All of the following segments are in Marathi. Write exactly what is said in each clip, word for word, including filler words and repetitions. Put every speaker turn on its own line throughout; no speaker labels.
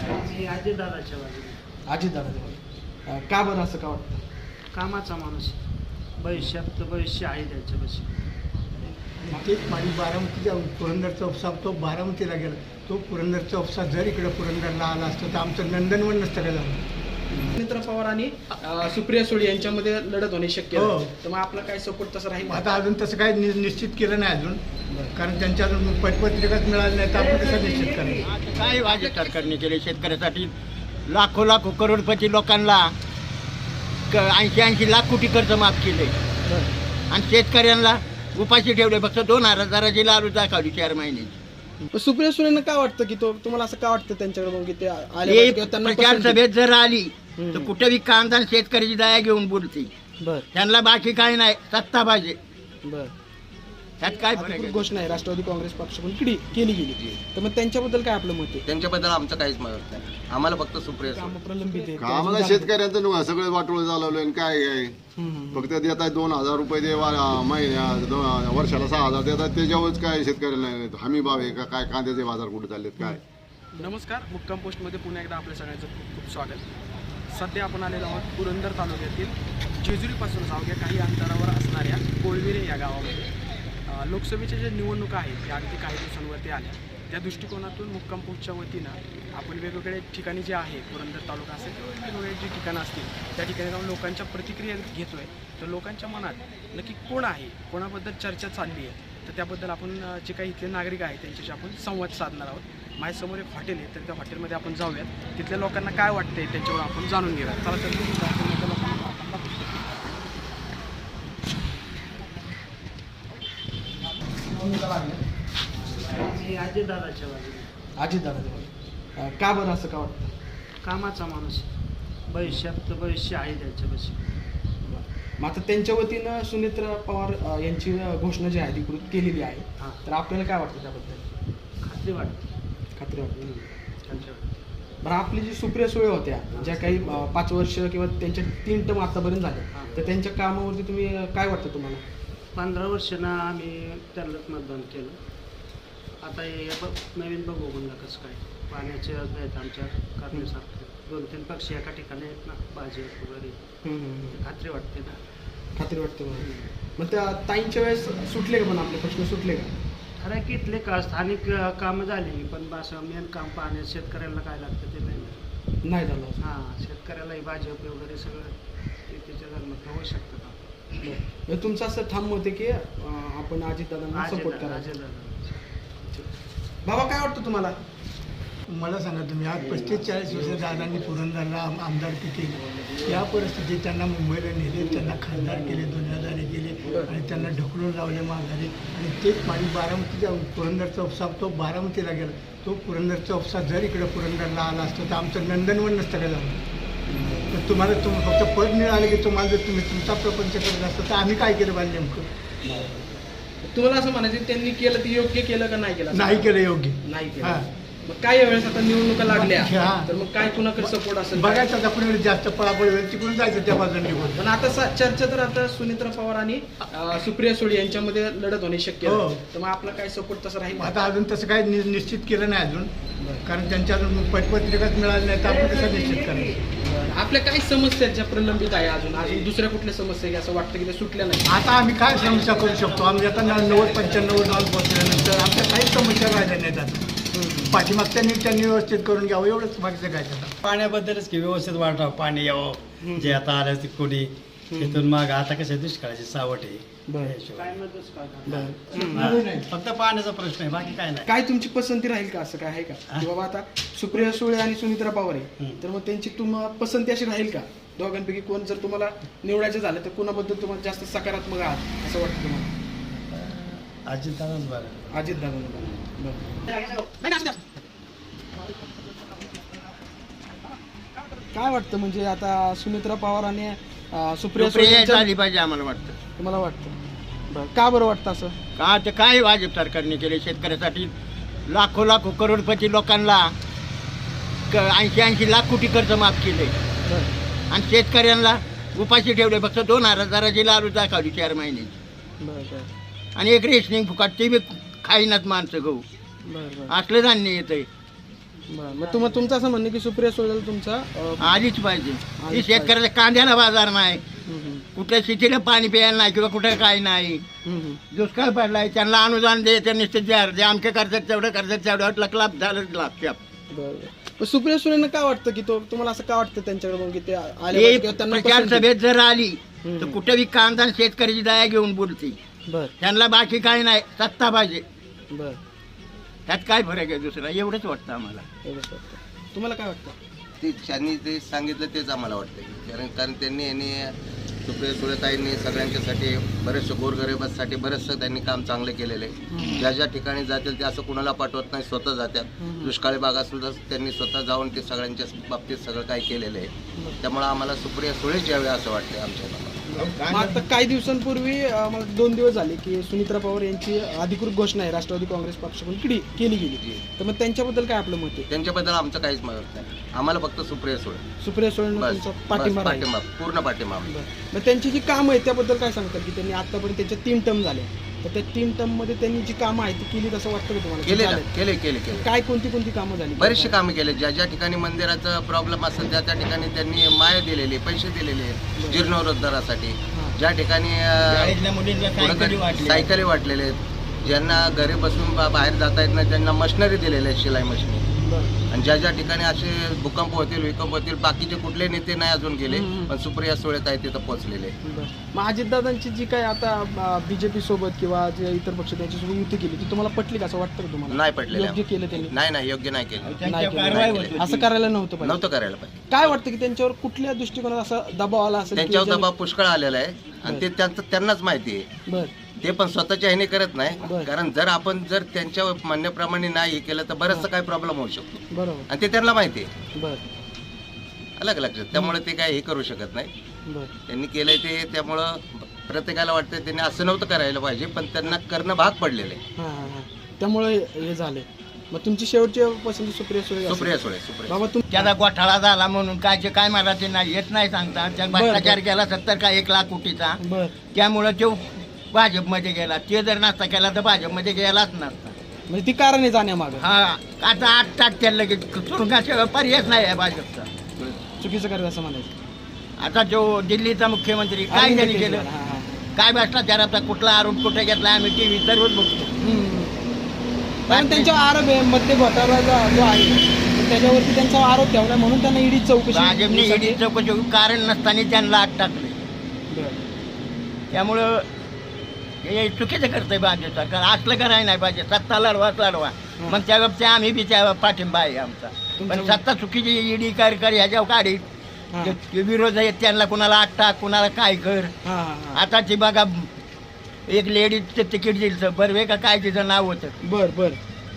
मी अजितदादाच्या बाजूने.
अजितदादाच्या बाजूने. का बरं असं का वाटतं?
कामाचा माणूस, भविष्यात भविष्य आहे त्यांच्यापाशी.
तेच माझी बारामतीचा पुरंदरचा उपसा तो बारामतीला गेला. तो पुरंदरचा उपसा जर इकडे पुरंदरला आला असतं तर आमचं नंदनवन नसतं काय झालं.
सुनेत्रा पवार आणि अं, सुप्रिया सुळे यांच्यामध्ये लढत होणे शक्य
हो.
आहे. तर मग आपला काय सपोर्ट तसं राहील?
आता अजून तसं काही नि निश्चित केलं नाही अजून, कारण त्यांच्या अजून पतपत्रिकाच मिळाली नाही तर आपण कसं निश्चित करायचं.
काय भाजप सरकारने केले शेतकऱ्यासाठी? लाखो लाखो करोडपती लोकांना ऐंशी ऐंशी लाख कोटी कर्ज माफ केले आणि शेतकऱ्यांना उपाशी ठेवले. फक्त दोन हजाराची लालू दाखवली चार महिन्याची.
पण सुप्रिया सुळेंना काय वाटतं की तो तुम्हाला असं का वाटतं त्यांच्याकडे बघून की ते आले
हे
पाहिजे किंवा त्यांना
प्रचार
पसंती-
सभेत जर आली
हम्म.
तर कुठेही कांदा आणि शेतकऱ्याची दया घेऊन बोलते.
बर
त्यांना बाकी काय नाही, सत्ता पाहिजे.
बर
त्यात काय फरक
अधिकृत
आहे?
घोषणा आहे राष्ट्रवादी काँग्रेस पक्षाकडून केली केली गेली. तर मग त्यांच्याबद्दल काय आपलं मत आहे?
त्यांच्याबद्दल आमचं काहीच मत नाही. आम्हाला फक्त सुप्रिया सुळे.
कामं प्रलंबित आहेत.
आम्हाला शेतकऱ्यांचं नुकसान सगळं वाटोळं चालवलं आणि काय आहे
हम्म.
फक्त देत आहे दोन हजार रुपये दे वा- महिन्या दोन वर्षाला सहा हजार देतात त्याच्यावरच काय शेतकऱ्याला हमी भाव आहे का काय कांद्याचे बाजार कुठे चाललेत काय.
नमस्कार, मुक्काम पोस्टमध्ये पुन्हा एकदा आपल्या सगळ्यांचं खूप खूप स्वागत. सध्या आपण आलेलो आहोत पुरंदर तालुक्यातील जेजुरीपासून अवघ्या काही अंतरावर असणाऱ्या कोळविरे या गावामध्ये. अ, लोकसभेच्या ज्या निवडणुका आहेत त्या अगदी काही दिवसांवरती आल्या. त्या दृष्टिकोनातून मुक्काम पोस्टच्या वतीनं आपण वेगवेगळे ठिकाणी जे आहे पुरंदर तालुका असेल किंवा वेगवेगळे जी ठिकाणं असतील त्या ठिकाणी जाऊन लोकांच्या प्रतिक्रिया घेतोय. तर लोकांच्या मनात नक्की कोण आहे, कोणाबद्दल चर्चा चालली आहे, तर त्याबद्दल आपण अ, जे काही इथले नागरिक आहेत त्यांच्याशी आपण संवाद साधणार आहोत. माझ्यासमोर एक हॉटेल आहे, तर त्या हॉटेलमध्ये आपण जाऊयात. तिथल्या लोकांना काय वाटतंय त्याच्यावर आपण जाणून घेऊया. चला तर तुम्ही हॉटेलमधल्या लोकांना आपण दाखवू.
मी अजितदादाच्या बाजूने.
अजितदादाच्या बाजूने. का बरं असं का वाटतं?
कामाचा माणूस, भविष्यात भविष्य आहे त्यांच्यापाशी.
मग आता त्यांच्या वतीनं सुनेत्रा पवार अ, यांची अ, घोषणा जी आहे अधिकृत केलेली आहे.
हां.
तर आपल्याला काय वाटतं त्याबद्दल?
खात्री वाटते.
खात्री वाटते.
खात्री वाटते.
बरं, आपली जी सुप्रिया सुळे होत्या ज्या काही अ, पाच वर्ष किंवा त्यांच्या तीन टर्म आतापर्यंत झाले,
हां.
तर त्यांच्या कामावरती तुम्ही अ, काय वाटतं तुम्हाला?
पंधरा वर्षानं आम्ही त्यांनाच मतदान केलं. आता हे ब नवीन बघू म्हणलं कसं काय. पाण्याचे योजना आहेत आमच्या करण्यासारखे. दोन तीन पक्ष एका ठिकाणी आहेत ना, भाजप वगैरे.
हम्म, हम्म, हम्म.
खात्री वाटते ना.
खात्री वाटते मला. मग त्या ताईंच्या वेळेस सुटले का पण आपले प्रश्न सुटले का?
खरं की इथले का स्थानिक अ, कामं झाली, पण असं मेन काम पाण्यात शेतकऱ्याला काय लागतं ते नाही.
नाही झालं असं.
हां, शेतकऱ्यालाही भाजप वगैरे सगळं ते त्याच्या धर्मात होऊ शकतं का.
म्हणजे तुमचं असं ठाम मत आहे की अं, आपण अजितदादांना सपोर्ट
अजितदादा-
करायचं.
अजितदादा.
बाबा काय वाटतं तुम्हाला?
मला सांगा तुम्ही आज पस्तीस चाळीस वर्ष दादांनी पुरंदरला आम आमदारकी केली. या परिस्थितीत त्यांना मुंबईला नेले, त्यांना खासदार केले, दुनियादारी केले आणि त्यांना ढकलून लावले माघारी. आणि तेच माझी बारामतीचा पुरंदरचा उपसा तो बारामतीला गेला. तो पुरंदरचा उपसा जर इकडे पुरंदरला आला असतं तर आमचं नंदनवन नसतं काय झालं. तर तुम्हाला तुम फक्त पद मिळाले की तुम्हाला जर तुम्ही तुमचा प्रपंच करत असतं तर आम्ही काय केलं पाहिजे नेमकं?
तुम्हाला असं म्हणायचं त्यांनी केलं ते योग्य केलं का नाही केलं?
नाही केलं योग्य.
नाही
हां.
केलं. मग काय यावेळेस आता निवडणुका लागल्या,
हां.
तर मग काय कुणाकडे सपोर्ट असेल?
बघायचं आता पुढे जास्त पळापळ होईल तिकडून जायचं त्या बाजूने निघून.
पण आता सा- चर्चा तर आता सुनेत्रा पवार आणि अं, सुप्रिया सुळे यांच्यामध्ये लढत होणे शक्य
हो.
आहे. तर मग आपला काय सपोर्ट तसं राहील?
आता अजून तसं काही नि निश्चित केलं नाही अजून, कारण त्यांच्या अजून पतपत्रिकाच मिळाली नाही तर आपण कसं निश्चित करायचं.
आपल्या काही समस्या ज्या प्रलंबित आहे अजून अजून दुसऱ्या कुठल्या समस्या आहे असं वाटतं की त्या सुटल्या नाही?
आता आम्ही काय समस्या करू शकतो? आम्ही आता न- नव्वद पंच्याण्णव जाऊन पोहोचल्यानंतर आमच्या काही समस्या राहिल्या नाहीत. आता पाठीमागच्यांनी त्यांनी व्यवस्थित करून घ्यावं एवढंच मागचं काय त्याला.
पाण्याबद्दलच की व्यवस्थित वाटावं, पाणी यावं जे आता आलं ते कोणी तिथून मग आता कसं दुष्काळाची सावट आहे.
बरं.
काय मतच काय
बरं.
हा. फक्त पाण्याचा प्रश्न आहे, बाकी काय नाही.
काय तुमची पसंती राहील का असं काय आहे का की बाबा आता सुप्रिया सुळे आणि सुनित्रा पवार आहे,
हम्म.
तर मग त्यांची तुम्हाला पसंती अशी राहील का? दोघांपैकी कोण जर तुम्हाला निवडायचं झालं तर कोणाबद्दल तुम्हाला जास्त सकारात्मक आहात असं वाटतं तुम्हाला?
अजितदादाच बरं.
अजित दादा. काय वाटतं म्हणजे आता सुनित्रा पवार आणि अं, सुप्रिया सुळे
सुप्रिया
यांच्या-
झाली पाहिजे आम्हाला वाटतं.
तुम्हाला वाटतं? बरं, का बरं वाटतं असं?
का ते काय भाजप सरकारने केले शेतकऱ्यासाठी? लाखो लाखो करोडपती लोकांना ऐंशी ऐंशी लाख कोटी कर्ज माफ केले
बरं
आणि शेतकऱ्यांना उपाशी ठेवले. फक्त दोन हजाराची लालू दाखवली चार महिन्याची
बरं बरं
आणि एक रेशनिंग फुकाट ते बी खाईनात माणसं गहू
बरं बरं
असलं धान्य येतंय.
बरं मग तुम्हा तुमचं असं म्हणणं की सुप्रिया सुळेला तुमचा अं,
आलीच पाहिजे
आलीच
ती शेतकऱ्याच्या कांद्याला बाजार नाही,
हम्म, हम्म,
कुठे शेतीला पाणी प्यायला नाही किंवा कुठे काही नाही,
हम्म, हम्म.
दुष्काळ पडलाय, त्यांना अनुदान दे, ते निश्चित द्या, जे आमच्या कर्जात तेवढं कर्जात तेवढं लकलाप झालं लागते.
बरं पण सुप्रिया सुळेंना काय वाटतं की तो तुम्हाला असं काय वाटतं त्यांच्याकडे बघून की ते आले
ते
पाहिजे किंवा त्यांना
प्रचार
पसंती?
सभेत जर आली
हम्म.
तर कुठे बी कांदा आणि शेतकऱ्याची दया घेऊन बोलते.
बरं
त्यांना बाकी काही नाही, सत्ता पाहिजे,
बरं
त्यात काय फरक आहे दुसरा, एवढंच वाटतं आम्हाला.
एवढंच वाटतं. तुम्हाला काय वाटतं?
ते त्यांनी ते सांगितलं तेच आम्हाला वाटतं कारण कारण त्यांनी यांनी सुप्रिया सुळेताईंनी सगळ्यांच्यासाठी बरेचसे गोरगरिबांसाठी बरेचसं त्यांनी काम चांगले केलेले आहे. ज्या ज्या ठिकाणी जातील ते असं कुणाला पाठवत नाही, स्वतः जातात. दुष्काळी भागात सुद्धा त्यांनी स्वतः जाऊन ते सगळ्यांच्या बाबतीत सगळं काय केलेलं आहे. त्यामुळे आम्हाला सुप्रिया सुळेच यावे असं वाटतं आमच्या
मग आता काही दिवसांपूर्वी अं, मला दोन दिवस झाले की सुनित्रा पवार यांची अधिकृत घोषणा आहे राष्ट्रवादी काँग्रेस पक्षाकडून केली केली गेली, तर मग त्यांच्याबद्दल काय आपलं मत आहे?
त्यांच्याबद्दल आमचं काहीच मत नाही, आम्हाला फक्त सुप्रिया सुळे
सुप्रिया सुळेंना
बस
तुमचा
बस,
पाठिंबा राहील?
पाठिंबा पूर्ण पाठिंबा आम्हाला.
बरं. मग त्यांची जी कामं आहेत त्याबद्दल काय सांगतात की त्यांनी आतापर्यंत त्यांच्या तीन टर्म झाल्या, तर त्या तीन टर्म मध्ये त्यांनी जी कामं आहेत ती केली असं वाटतं का तुम्हाला?
केले ना,
झालेत?
केले केले केले
काय कोणती कोणती कामं झाली?
बरेचसे कामे केले. ज्या ज्या ठिकाणी मंदिराचा प्रॉब्लेम असेल त्या त्या ठिकाणी त्यांनी माया दिलेली, पैसे दिलेले जीर्णोद्धारासाठी. ज्या ठिकाणी अं,
शाळेतल्या मुलींना सायकली
कुठंतरी
वाटल्या.
सायकली वाटलेले आहेत, ज्यांना घरी बसून बा- बाहेर जाता येत नाही त्यांना मशिनरी दिलेले आहेत, शिलाई मशिनरी.
बरं.
आणि ज्या ज्या ठिकाणी असे भूकंप होतील विकंप होतील बाकीचे कुठले नेते नाही अजून गेले,
हम्म.
पण सुप्रिया सुळे ताई तिथं पोहोचलेले.
बरं. मग अजितदादांची जी काय आता बीजेपी सोबत किंवा जे इतर पक्ष त्यांच्यासोबत युती केली ती तुम्हाला पटली का असं वाटतं का तुम्हाला?
नाही पटलेले
योग्य केलं त्यांनी?
नाही नाही योग्य नाही केलं,
नाही
त्यांच्यावर
केलं.
कारवाई
नाही
होत
केली.
होती.
असं करायला नव्हतं पाहिजे.
नव्हतं करायला पाहिजे.
काय वाटतं की त्यांच्यावर कुठल्या दृष्टिकोनात असा दबाव आला असेल की
त्यांच्यावर
ज्याने-
दबाव पुष्कळ आलेला आहे आणि ते त्यांचं त्यांनाच माहिती आहे.
बरं
ते पण स्वतःच्या ह्याने करत नाही,
बरं.
कारण जर आपण जर त्यांच्या म्हणण्याप्रमाणे नाही हे केलं तर बरंचसं काही प्रॉब्लेम होऊ शकतो
बरोबर.
आणि ते त्यांना माहिती आहे.
बरं
अलग लक्षात, त्यामुळे ते काय हे करू शकत नाही.
बरं
त्यांनी केलंय ते, त्यामुळं प्रत्येकाला वाटतं त्यांनी असं नव्हतं करायला पाहिजे, पण त्यांना करणं भाग पडलेलं आहे.
हां हां हां त्यामुळे हे झाले. मग तुमची शेवटची पसंती सुप्रिया सुळे असेल?
सुप्रिया सुळे सुप्रिया
बाबा तुम
त्याला गोठाळा झाला म्हणून कायचे काय मारायचे नाही, येत नाही सांगता. त्या
बरं,
भ्रष्टाचार केला सत्तर का एक लाख कोटीचा,
बरं
त्यामुळं तो भाजपमध्ये गेला. ते जर नसता केला तर भाजपमध्ये गेलाच नसता.
म्हणजे ती कारण आहे जाण्यामागं
हा आता आठ टाक त्याला लगेच तुरुंगाशिवाय पर्यायच नाही आहे भाजपचा.
चुकीचं करत असं म्हणायचं.
आता जो दिल्लीचा मुख्यमंत्री काय
अरविंद
त्यांनी
केजरीवाल,
केलं,
हां, हां.
काय भ्रष्टाचाराचा कुठला आरोप कुठे घेतला आम्ही टीव्ही सर्वच बघतो.
हम्म. कारण त्यांच्यावर आरोप आहे मध्य घोटाळा जो जो आहे तर त्याच्यावरती त्यांचा आरोप ठेवला म्हणून त्यांना ईडी चौकशी
भाजपने
साठी-
ईडी चौकशी कारण नसताना त्यांना आत टाकले.
बरं.
त्यामुळं हे चुकीचं करतंय भाजप सरकार. असलं करायला नाही पाहिजे. सत्ता लढवाच लढवा, मग त्या बाबतीत आम्ही बी त्या पाठिंबा आहे आमचा. पण सत्ता चुकीची ईडी कार्यकारी ह्याच्यावर काढी
हां.
ते विरोध आहेत त्यांना, कुणाला आठ टाक कुणाला काय कर.
हां, हां, हां.
आता ती बघा एक लेडीजचं तिकीट दिलं बर्वे का काय तिचं नाव होतं,
बर बर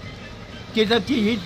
तिचं ती ही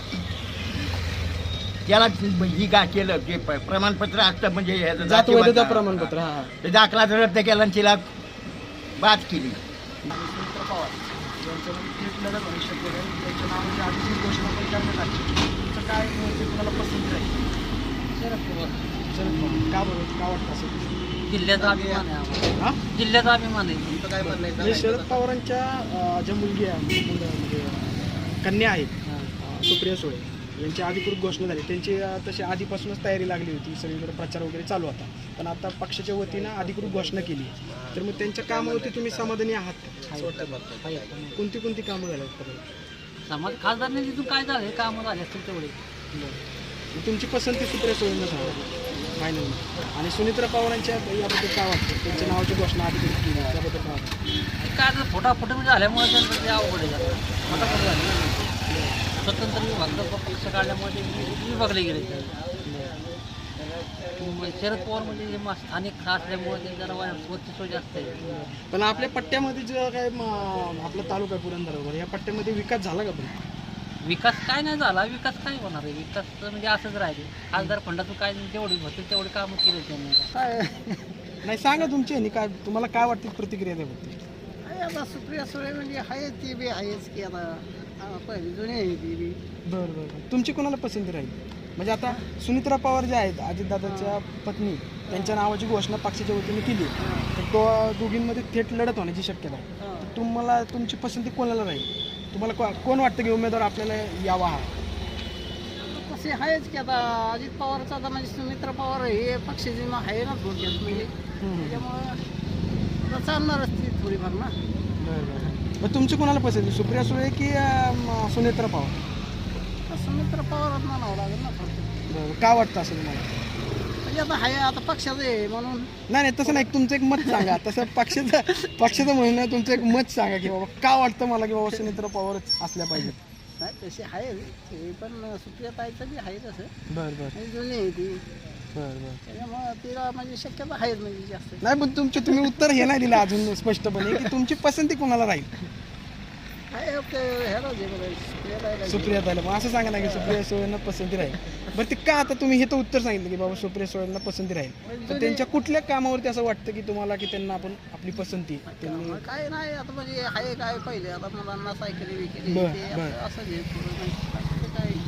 त्याला ही का केलं ते प- प्रमाणपत्र असतं म्हणजे ह्याचं
जात वैधता
जातीवाद-
प्रमाणपत्र हा हा.
ते दाखला रद्द केला आणि तिला बाद केली.
सुमित्रा पवार यांचं थेट लढत होणे शक्य आहे. त्यांच्या नावाची आधीची घोषणा पण करण्यात आली. तुमचं काय मत आहे? तुम्हाला पसंत आहे?
शरद पवार
शरद पवार का बरं का वाटतं असं?
जिल्ह्याचा अभिमान आहे आम्हाला.
हा?
जिल्ह्याचा अभिमान आहे.
तुमचं काय म्हणणं आहे
म्हणजे
सांगायचं?
शरद पवारांच्या अं, ज्या मुलगी आहे मुलं म्हणजे अं, कन्या आहेत अं, सुप्रिया सुळे यांची अधिकृत घोषणा झाली. त्यांची अं, तशी आधीपासूनच तयारी लागली होती, सगळीकडे प्रचार वगैरे चालू होता. पण आता पक्षाच्या वतीनं अधिकृत घोषणा केली. तर मग त्यांच्या कामावरती तुम्ही समाधानी आहात का? असं वाटतं का?
आहे.
कोणती कोणती कामं झाली आहेत?
समाज खासदारने तिथून काय झाले कामं झाले असतील तेवढे.
मग तुमची पसंती सुप्रिया सुळेंना सांगा फायनल. आणि सुनित्रा पवारांच्या याबद्दल काय वाटतं? त्यांच्या नावाची घोषणा अधिकृत केली त्याबद्दल काय वाटतं?
काय आता फोटाफोटी झाल्यामुळे त्यांचं ते अवघड आहे जरा. फटाफट झाले. स्वतंत्र विभाग पक्ष काढल्यामुळे ते वि- विभागले गेले ते. मग शरद पवार म्हणजे हे मा- स्थानिक असल्यामुळे ते जरा वा- वर्चस्व जास्त आहे.
पण आपल्या पट्ट्यामध्ये जो काय म- आपला तालुका आहे पुरंदर वगैरे या पट्ट्यामध्ये विकास झाला का पण?
विकास काय नाही झाला, विकास काय होणार आहे? विकास तर म्हणजे असंच राहिले. खासदार फंडातून काय जेवढे होते तेवढे कामं केले त्यांनी.
काय नाही सांगा तुमची ह्यानी काय तुम्हाला काय वाटते प्रतिक्रिया त्याबद्दल?
आता सुप्रिया सुळे म्हणजे आहे ती बी आहेच की आता पहिली जुनी आहे ती बी.
बरं बरं बरं. तुमची कोणाला पसंती राहील? म्हणजे आता सुनित्रा पवार ज्या आहेत अजितदादाच्या पत्नी त्यांच्या नावाची घोषणा पक्षाच्या वतीने केली तर तो दोघींमध्ये थेट लढत होण्याची शक्यता आहे. तर तुम्हाला तुमची पसंती कोणाला राहील? तुम्हाला को- कोण वाटतं की उमेदवार आपल्याला यावा हा?
तसे आहेच की आता अजित पवारचा आता म्हणजे सुमित्रा पवार हे पक्षाची मग आहे ना थोडक्यात म्हणजे त्याच्यामुळं आता चालणारच ती थोडीफार ना.
बरं बरं मग तुमची कोणाला पसंत आहे, सुप्रिया सुळे की अं, म- सुनेत्रा पवार?
तर सुमित्रा पवारच म्हणावं लागेल ना थोडक्यात.
बरं का वाटतं असं तुम्हाला?
म्हणजे आता आहे आता पक्षाचं आहे म्हणून.
नाही नाही तसं नाही, तुमचं एक मत सांगा. तसं पक्षाचं पक्षाचं म्हणणं तुमचं एक मत सांगा की बाबा का वाटतं मला की बाबा सुनेत्रा पवारच असल्या पाहिजेत.
नाही तशी आहे ते पण सुप्रियाताईचं बी आहे तसं
बरं बरं
म्हणजे जुनी आहे ती
बरं बरं
त्याच्यामुळं तिला म्हणजे शक्यता आहेच म्हणजे जास्त.
नाही पण तुमचे तुम्ही उत्तर हे नाही दिलं अजून स्पष्टपणे की तुमची पसंती कोणाला राहील.
आहे ते ह्याला जे बरं सुप्रियाताईला जे.
सुप्रिया ताईला मग असं सांगा ना की सुप्रिया सुळेंना पसंती राहील. बरं ते का आता तुम्ही हे तर उत्तर सांगितलं की बाबा सुप्रिया सुळेंना पसंती राहील, तर त्यांच्या कुठल्या कामावरती असं वाटतं की तुम्हाला की त्यांना आपण आपली पसंती त्यांनी?
मग काय नाही आता म्हणजे आहे काय पहिले आता मुलांना सायकली विकली
बरं,
ते
बरं.
असं- असं जे थोडं म्हणजे बाकी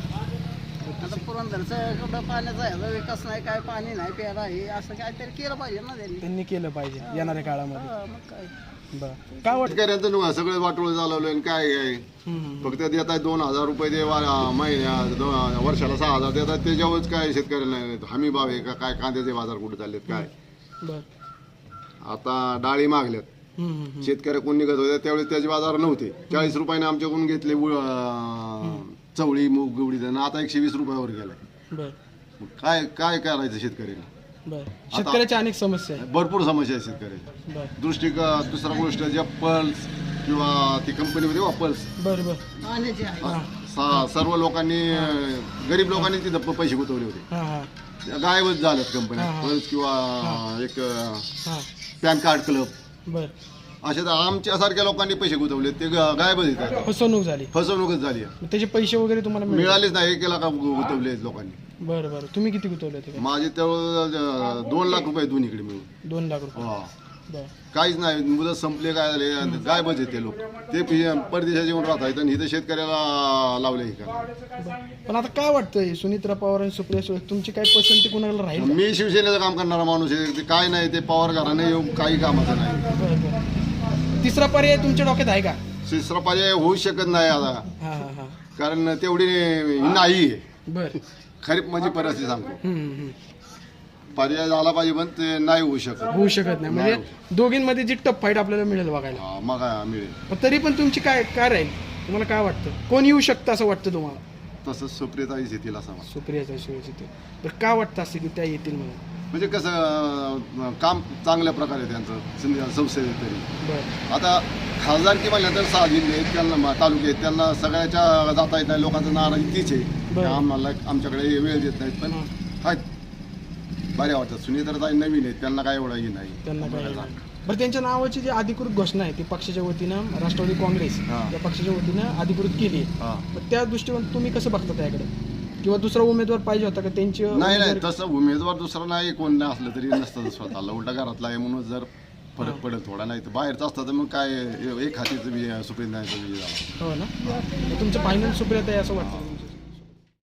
काय आता पुरंदरचं कुठं पाण्याचा ह्याचा विकास नाही काय पाणी नाही प्यायला हे असं काहीतरी केलं पाहिजे ना त्यांनी.
त्यांनी केलं पाहिजे येणाऱ्या काळामध्ये.
हा, मग काय
बरं काय वाटतं?
शेतकऱ्यांचं नुकसान सगळे वाटोळ चालवलं आणि काय आहे
हम्म,
फक्त देतात दोन हजार रुपये ते वा- महिन्या दोन वर्षाला सहा हजार देतात त्याच्यावरच काय शेतकऱ्याला हमी भाव आहे का काय कांद्याचे बाजार कुठे चाललेत काय.
बरं
आता डाळी मागल्यात
हम्म, हम्म, हम्म.
शेतकरी कोण निघत होते त्यावेळेस त्याचे बाजार नव्हते. चाळीस रुपयाने आमच्याकडून घेतले उ- अं, चवळी मूग गुवडी आणि आता एकशे वीस रुपयावर गेलाय.
बरं
मग काय काय करायचं शेतकऱ्याला.
बरं शेतकऱ्याच्या अनेक समस्या आहेत.
भरपूर समस्या आहे शेतकऱ्याच्या.
बरं
दृष्टी दुसरा गोष्ट जे पल्स किंवा ती कंपनीमध्ये वा पल्स
बरं बरं
पाण्याचे आहे
हां
सा- सर्व लोकांनी अं, गरीब लोकांनी तिथं प- पैसे गुंतवले होते
हां हां
त्या गायबच झाल्यात कंपन्या.
हा, हा.
पल्स किंवा एक
हां
पॅन कार्ड क्लब
बरं
असे तर आमच्यासारख्या लोकांनी पैसे गुंतवले ते ग- गायबच येतात.
फसवणूक झाली.
फसवणूकच झाली आहे.
मग त्याचे पैसे वगैरे तुम्हाला मिळाले?
मिळालेच नाही एक लाख गुंतवले आहेत लोकांनी.
बरं बरं तुम्ही किती गुंतवले होते?
माझे तेवढं दोन लाख रुपये दोन्हीकडे मिळून.
दोन लाख रुपये.
हा.
बरं
काहीच नाही मुदत संपले काय झाले आणि गायबच येते लोक ते पि- परदेशात येऊन राहतात आणि इथं शेतकऱ्याला लावले का.
पण आता काय वाटतंय सुनित्रा पवार आणि सुप्रिया सुळे तुमची काय पसंती कोणाला राहील?
मी शिवसेनेचं काम करणारा माणूस आहे ते काय नाही ते पवार घराने येऊन काही कामाचं नाही.
बरं बरं तिसरा पर्याय तुमच्या डोक्यात आहे का?
तिसरा पर्याय होऊ शकत नाही आता
हां हां हां
कारण तेवढी नाही आहे.
बरं
खरीप म्हणजे परिस्थिती सांगतो
हम्म, हम्म.
पर्याय झाला पाहिजे पण ते नाही होऊ शकत.
होऊ शकत नाही म्हणजे दोघींमध्ये जी टफ फाईट आपल्याला मिळेल बघायला.
हा, मग काय मिळेल
पण तरी पण तुमची काय काय राहील तुम्हाला काय वाटतं कोण येऊ शकतं असं वाटतं तुम्हाला?
तसंच सुप्रियताईच येतील असं मला.
सुप्रियाचा शिवाजी ते तर का वाटतं असं की त्या येतील म्हणून?
म्हणजे कसं अं, काम चांगल्या प्रकारे त्यांचं सिंध- संसदेत तरी.
बरं
आता खासदारकी म्हणलं तर सहा जिल्हे आहेत त्यांना मा- तालुके आहेत त्यांना सगळ्याच्या जाता येत नाही लोकांचं नाराजी तीच आहे की
बरं.
आम्हाला आमच्याकडे वेळ देत नाहीत पण आहेत बऱ्या वाटतात. सुनीताताई नवीन आहेत त्यांना काय एवढं हे नाही.
त्यांना काय बरं त्यांच्या नावाची जी अधिकृत घोषणा आहे ती पक्षाच्या वतीनं राष्ट्रवादी काँग्रेस
हां.
या पक्षाच्या वतीनं अधिकृत केली आहे.
हा.
मग त्या दृष्टीकोन तुम्ही कसं बघता त्याकडे किंवा दुसरा उमेदवार पाहिजे होता का त्यांची
नाही नाही
उमेदवारी-
तसं उमेदवार दुसरा नाही कोण नाही असलं तरी नसतं स्वतःला उलटा घरातला आहे म्हणून जर फरक पडेल थोडा नाही तर बाहेरचं असतं तर मग काय एक हातीचं बी सुप्रीम नाही झाला.
हो ना मग तुमचं फायनल सुप्रियाताई असं वाटतं